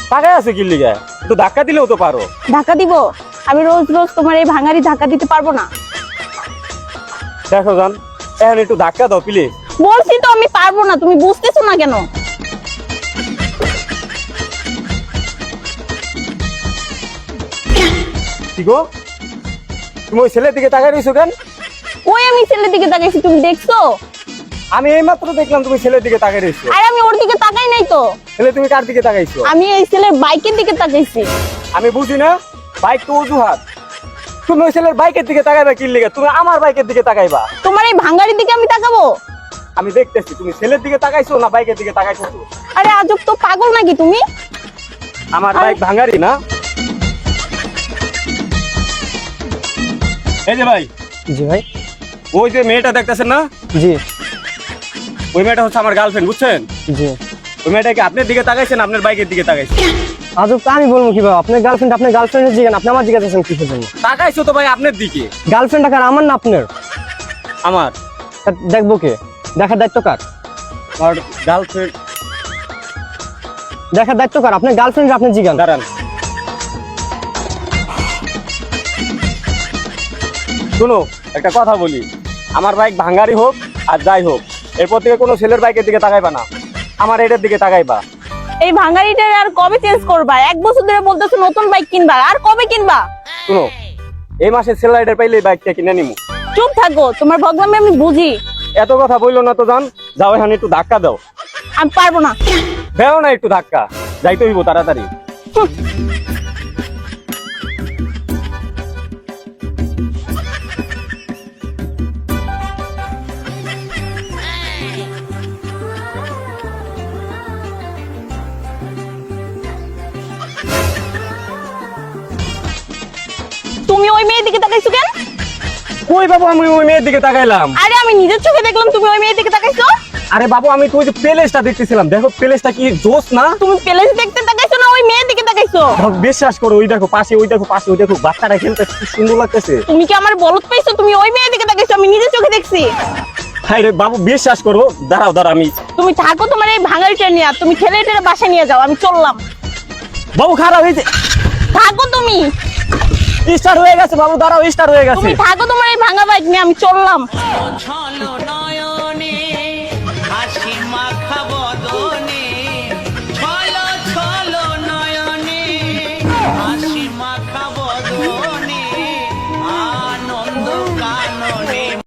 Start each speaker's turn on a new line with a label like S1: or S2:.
S1: টাকা আছে কি লিগা? তো ধাক্কা দিলেও তো পারো।
S2: ধাক্কা দিব? আমি রোজ রোজ তোমার এই ভাঙারি ধাক্কা দিতে পারবো না।
S1: দেখো জান, এখন একটু ধাক্কা দাও প্লিজ।
S2: বলছি তো আমি পারবো না, তুমি বুঝতেছো না কেন?
S1: কি গো, তুমি ওই ছেলের দিকে তাকাই রইছো কেন?
S2: ওই আমি ছেলের দিকে তাকাইছি, তুমি দেখছো?
S1: আমি এইমাত্র দেখলাম তুমি ছেলের দিকে তাকাই রইছো।
S2: আর আমি ওর দিকে তাকাই নাই তো।
S1: ছেলে তুমি কার দিকে তাকাইছো?
S2: আমি এই ছেলের বাইকের দিকে তাকাইছি।
S1: আমি বুঝি না, বাইক তো অজুহাত। তুমি ওই ছেলের বাইকের দিকে তাকাইবা কি লিগা? তুমি আমার বাইকের দিকে তাকাইবা।
S2: তোমার এই ভাঙারির দিকে আমি তাকাবো?
S1: আমি দেখতেছি তুমি ছেলের দিকে তাকাইছো না বাইকের দিকে তাকাইছো।
S2: আরে আজব তো, পাগল নাকি তুমি?
S1: আমার বাইক ভাঙারি না। এই যে ভাই,
S3: জি ভাই।
S1: ওই যে মেয়েটা দেখতেছেন না,
S3: জি
S1: ওই মেয়েটা হচ্ছে আমার গার্লফ্রেন্ড, বুঝছেন?
S3: জি।
S1: ওই মেয়েটাকে আপনার দিকে তাকাইছেন, আপনার বাইকের দিকে তাকাইছে।
S3: আজব তো, আমি বলবো কিভাবে? আপনার গার্লফ্রেন্ডের জিজ্ঞান, আপনি আমার জিজ্ঞাসা কিসের জন্য?
S1: তাকাইছো তো ভাই আপনার দিকে।
S3: গার্লফ্রেন্ড কার, আমার না আপনার?
S1: আমার।
S3: তা দেখবো কে? দেখার দায়িত্ব কার?
S1: আমার গার্লফ্রেন্ড।
S3: দেখার দায়িত্ব কার? আপনার গার্লফ্রেন্ড আপনি জিজ্ঞান।
S1: দাঁড়ান, শুনো একটা কথা বলি, আমার বাইক ভাঙারি হোক আর যাই হোক, এরপর থেকে কোনো ছেলের বাইকের দিকে তাকাইবা না, আমার এটার দিকে তাকাইবা।
S2: এই ভাঙারিটা আর কবে চেঞ্জ করবা? 1 বছর ধরে বলতেছো নতুন বাইক কিনবা, আর কবে কিনবা?
S1: শুনো, এই মাসে সেল রাইডার পাইলে এই বাইকটা কিনে নিমু।
S2: চুপ থাকো, তোমার ভগলামে আমি বুঝি।
S1: এত কথা বললো না তো জান, যাও এখানে একটু ধাক্কা দাও।
S2: আমি পারবো না।
S1: দেও না একটু ধাক্কা, যাইতে হইব তাড়াতাড়ি।
S2: তুমি ওই মেয়ের দিকে তাকাইছো কেন?
S1: কই বাবু, আমি ওই মেয়ের দিকে তাকাইলাম।
S2: আরে আমি নিজের চোখে দেখলাম তুমি ওই মেয়ের দিকে তাকাইছো।
S1: আরে বাবু, আমি তো ওই যে প্লেসটা দেখতেছিলাম, দেখো প্লেসটা কি জোস না?
S2: তুমি প্লেস দেখতে তাকাইছো না ওই মেয়ের দিকে তাকাইছো?
S1: বিশ্বাস করো, ওই দেখো পাশে, ওই দেখো পাশে, ওই দেখো বাচ্চারা খেলতে কি সুন্দর লাগতেছে।
S2: তুমি কি আমার বলদ পাইছো? তুমি ওই মেয়ের দিকে তাকাইছো, আমি নিজের চোখে দেখছি।
S1: হাই রে বাবু, বিশ্বাস করো, দাঁড়াও দাঁড়াও, আমি।
S2: তুমি থাকো তোমার এই ভাঙারিটা নিয়ে, তুমি ছেলেটারে বাসায় নিয়ে যাও, আমি চললাম।
S1: বাবু খারাপ হয়েছে,
S2: থাকো তুমি,
S1: স্টার্ট হয়ে গেছে বাবু, দাঁড়াও, স্টার্ট হয়ে গেছে।
S2: তুমি থাকো তোমার এই ভাঙা বাইক নিয়ে, আমি চললাম।
S4: ছলো না